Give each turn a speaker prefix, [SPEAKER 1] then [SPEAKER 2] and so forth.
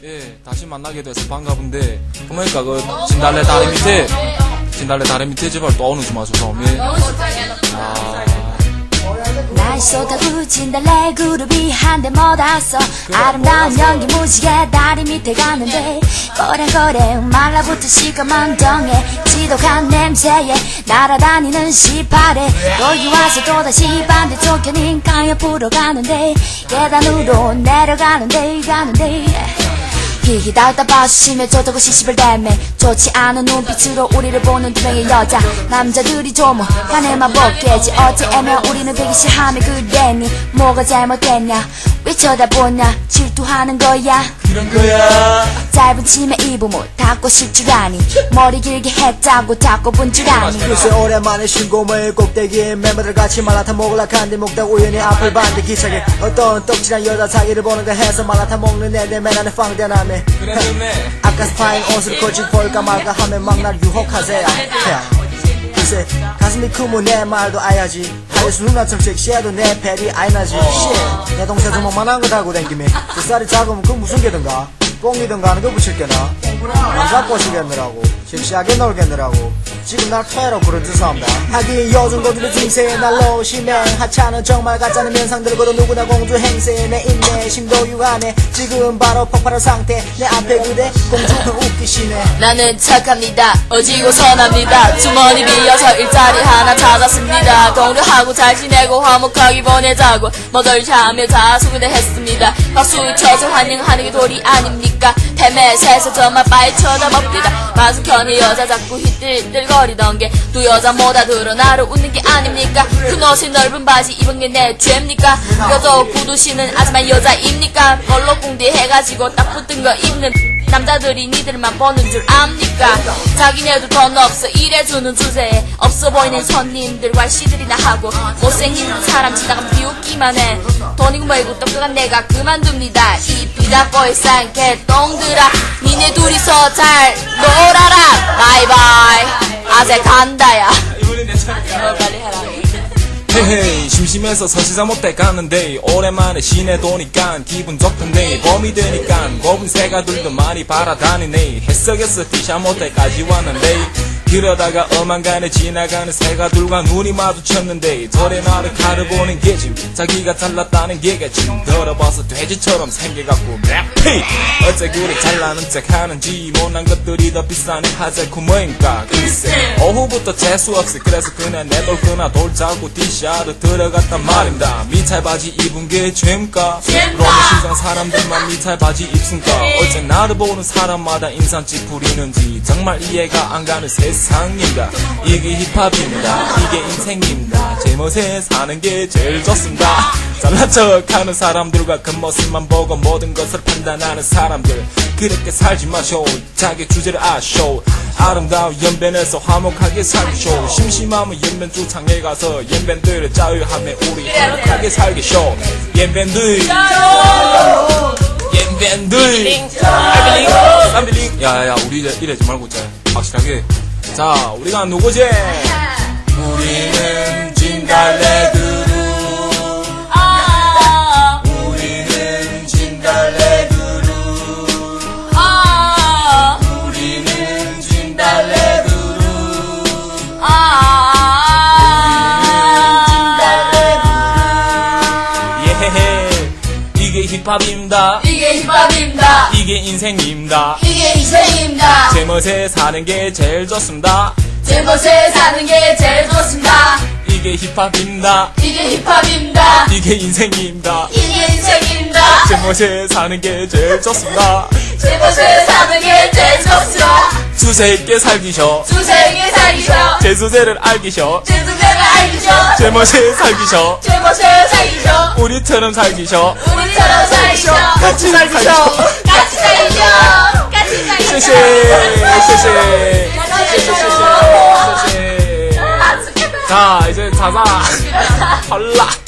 [SPEAKER 1] 예, 다시 만나게 돼서 반가운데 그러니까 그 진달래 다리 밑에 제발 또 오는 좀 마셔서
[SPEAKER 2] 날 쏟아부 진달래 그룹이 한데 못 왔어. 아름다운 연기 무지개 다리 밑에 가는데 거래거래 말라붙은 시커먼 덩에 지독한 냄새에 날아다니는 시파래 여기 와서 또다시 반대쪽 견인가 옆으로 가는데 계단으로 내려가는데 기기 닿다 봐주시며 좋다고 시집을 대매 좋지 않은 눈빛으로 우리를 보는 두 명의 여자 남자들이 조목간에만 벗겨지 어째면 우리는 되기 싫하며 그랬니 뭐가 잘못됐냐 왜 쳐다보냐 질투하는 거야
[SPEAKER 1] 그런 거야.
[SPEAKER 2] 짧은 치마 입으면 닦고 싶 줄 아니 머리 길게 했다고 닦고 본 줄 아니
[SPEAKER 3] 글쎄 오랜만에 신고물 꼭대기에 멤버들 같이 말라탄 먹으려 한데 먹다 우연히 앞을 봤는데 기차게 어떤 떡칠한 여자 자기를 보는가 해서 말라탄 먹는 애들 맨날 빵대나네
[SPEAKER 1] 그래
[SPEAKER 3] 아까 스파인 옷을 거친 볼까 말까 하면 막 날 유혹하세요 글쎄 가슴이 크면 내 말도 아야지 하여수 누나처럼 섹시해도 내 벨이 아이나지 내 동생 주먹만한 거 달고 댕기면 그 쌀이 작으면 그 무슨 개든가 뽕이든가 하는 거 붙일게나 남자 꼬시겠느라고 섹시하게 놀겠느라고 지금 날 퇴로 부른 죄송합니다 하긴 요즘 거들의 중세에 날로 오시면 하찮은 정말 가짜는 면상들고도 누구나 공주 행세 내 인내심도 유한해 지금 바로 폭발한 상태 내 앞에 그대 공주는 웃기시네
[SPEAKER 4] 나는 착합니다. 어지고 선합니다. 주머니 비어서 일자리 하나 찾았습니다. 동료하고 잘 지내고 화목하게 보내자고 머덜샤하며 자수그대 했습니다. 박수 쳐서 환영하는 게 도리 아닙니까? 헬멧에서 저만 빠이 쳐다봅니다. 마스크니 여자 자꾸 휘뜰뜰거리던 게 두 여자보다 드러나러 웃는 게 아닙니까? 큰 옷에 넓은 바지 입은 게 내 죄입니까? 여도 구두 신은 아줌마 여자입니까? 걸럭궁디 해가지고 딱 붙은 거 입는 남자들이 니들만 보는 줄 압니까? 자기네도 돈 없어 일해주는 주제에 없어 보이는 손님들과 시들이나 하고 못생긴 사람 지나가면 비웃기만 해 돈이고 뭐이고 똑똑한 내가 그만둡니다. 이 비다보이 싼 개똥들아 니네 둘이서 잘 놀아라 바이바이 아재 간다야 빨리 해라
[SPEAKER 1] 헤헤이 심심해서 서시자 못해 가는데 오랜만에 시내 도니까 기분 좋던데 봄이 되니까 곱은 새가들도 많이 바라다니네 햇석에서 티샤 못해까지 왔는데 그러다가 어만간에 지나가는 새가들과 눈이 마주쳤는데 저래 나를 가려보는 게짐 자기가 잘났다는 게겠지 더러봐서 돼지처럼 생겨갖고 랩 어째 그리 잘나는 척 하는지 못난 것들이 더 비싸니 하재쿠 뭐인가 글쎄 오후부터 재수없이 그래서 그냥 내돌거나 돌자고 티샤를 들어갔단 말입니다 미찰 바지 입은 게 죄입니까? 그럼 시장 사람들만 미찰 바지 입순가 어째 나를 보는 사람마다 인상 찌푸리는지 정말 이해가 안 가는 세상입니다. 이게 힙합입니다. 이게 인생입니다. 제 멋에 사는 게 제일 좋습니다. 잘난 척하는 사람들과 겉모습만 보고 모든 것을 판단하는 사람들 그렇게 살지 마쇼. 자기 주제를 아쇼. 아름다운 연변에서 화목하게 살기쇼. 심심하면 연변 주창에 가서 연변들을 자유하며 우리 행복하게 살기쇼. 연변들 연변들 쌈빌링 야야야 우리 이제 이러지 말고 이제 확실하게 자 우리가 누구지? 우리는 진달래 그룹 우리는 진달래 그룹 우리는 진달래 그룹 예헤헤 이게 힙합입니다.
[SPEAKER 4] 이게 힙합입니다.
[SPEAKER 1] 이게 인생입니다.
[SPEAKER 4] 이게 인생입니다.
[SPEAKER 1] 제 멋에 사는 게 제일 좋습니다.
[SPEAKER 4] 제 멋에 사는 게 제일 좋습니다.
[SPEAKER 1] 이게 힙합입니다.
[SPEAKER 4] 이게 힙합입니다.
[SPEAKER 1] 이게 인생입니다.
[SPEAKER 4] 이게 인생입니다.
[SPEAKER 1] 제 멋에 사는 게 제일 좋습니다.
[SPEAKER 4] 제 멋에 사는 게 제일 좋습니다.
[SPEAKER 1] 주세 있게 살기셔.
[SPEAKER 4] 주세에게 살기셔.
[SPEAKER 1] 제 주제를 알기셔.
[SPEAKER 4] 제 주제를 알기셔.
[SPEAKER 1] 제 멋에 살기셔.
[SPEAKER 4] 제 멋에 살기셔.
[SPEAKER 1] 우리처럼 살기셔.
[SPEAKER 4] 우리처럼 살기셔.
[SPEAKER 1] 같이 살기셔.
[SPEAKER 4] 같이 살기셔. 같이 살기셔.
[SPEAKER 1] 쉐쉐 쉐쉐 쉐쉐 쉐쉐 자 이제 자자 헐라